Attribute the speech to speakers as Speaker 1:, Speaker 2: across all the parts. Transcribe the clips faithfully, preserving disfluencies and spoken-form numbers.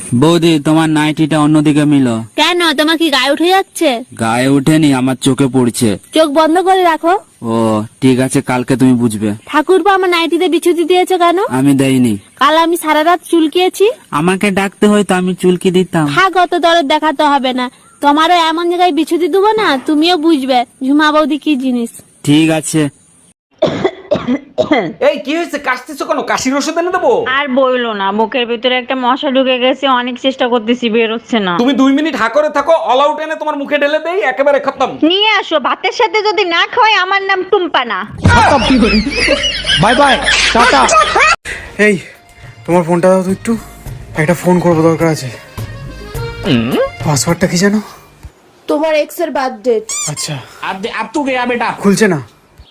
Speaker 1: বৌদি তোমার নাইটিটা অন্যদিকে মিলো।
Speaker 2: কেন, তোমার কি গায়ে উঠে যাচ্ছে?
Speaker 1: গায়ে উঠেনি, আমার চোখে পড়ছে।
Speaker 2: চোখ বন্ধ করে রাখো।
Speaker 1: ও ঠিক আছে, কালকে তুমি বুঝবে।
Speaker 2: ঠাকুরপো আমার নাইটিতে বিছুতি দিয়েছো কেন?
Speaker 1: আমি দেইনি।
Speaker 2: কাল আমি সারা রাত চুলকিয়েছি।
Speaker 1: আমাকে ডাকতে হয়তো আমি চুলকি দিতাম।
Speaker 2: থাক, অত দরদ দেখাতে হবে না। তোমারও এমন জায়গায় বিছুতি দেবো না, তুমিও বুঝবে ঝুমা বৌদি কি জিনিস।
Speaker 1: ঠিক আছে।
Speaker 3: এই কি হয়েছে, কাশতেছো কেন? কাশির ওষুধ এনে দেবো?
Speaker 4: আর বইলো না, বুকের ভিতরে একটা মশা ঢুকে গেছে, অনেক চেষ্টা করতেছি, বের হচ্ছে না।
Speaker 3: তুমি দুই মিনিট হা করে থাকো, অল আউট এনে তোমার মুখে ঢেলে দেই, একেবারে খতম।
Speaker 4: নিয়ে আসো, ভাতের সাথে যদি না খাওয়াই আমার নাম টুম্পা না।
Speaker 5: Bye bye, tata. এই তোমার ফোনটা দাও তো একটু, একটা ফোন করবো, দরকার আছে। পাসওয়ার্ডটা কি জানো?
Speaker 6: তোমার এক্স এর বার্থডে।
Speaker 5: আচ্ছা,
Speaker 3: আব তু গয়া বেটা।
Speaker 5: খুলছে না।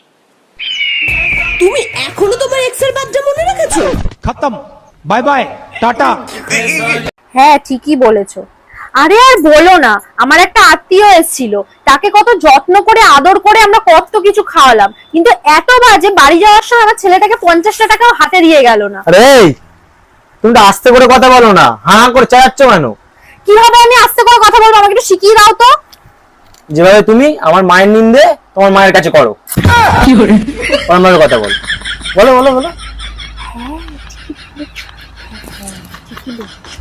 Speaker 6: তুমি এখনো তোমার এক্স এর বার্থডে মনে রেখেছো?
Speaker 5: খতম, বাই বাই, টাটা।
Speaker 7: হ্যাঁ ঠিকই বলেছো। আরে আর বলো না, আমার একটা আত্মীয় এসেছিল, তাকে কত যত্ন করে আদর করে আমরা কত কিছু খাওয়ালাম, কিন্তু এত বাজে, বাড়ি যাওয়ার সময় আমার ছেলেটাকে পঞ্চাশটা টাকাও হাতে দিয়ে গেল না।
Speaker 8: আরে তুমি তো আস্তে করে কথা বলো না, হাঁ হাঁ করে চালাচ্ছ কেন?
Speaker 7: কিভাবে আমি আস্তে করে কথা বলবো, আমাকে একটু শিখিয়ে দাও তো।
Speaker 8: যেভাবে তুমি আমার মায়ের নিন্দে তোমার মায়ের কাছে করো। কি করে অন্যভাবে কথা বল, বলো বলো বলো।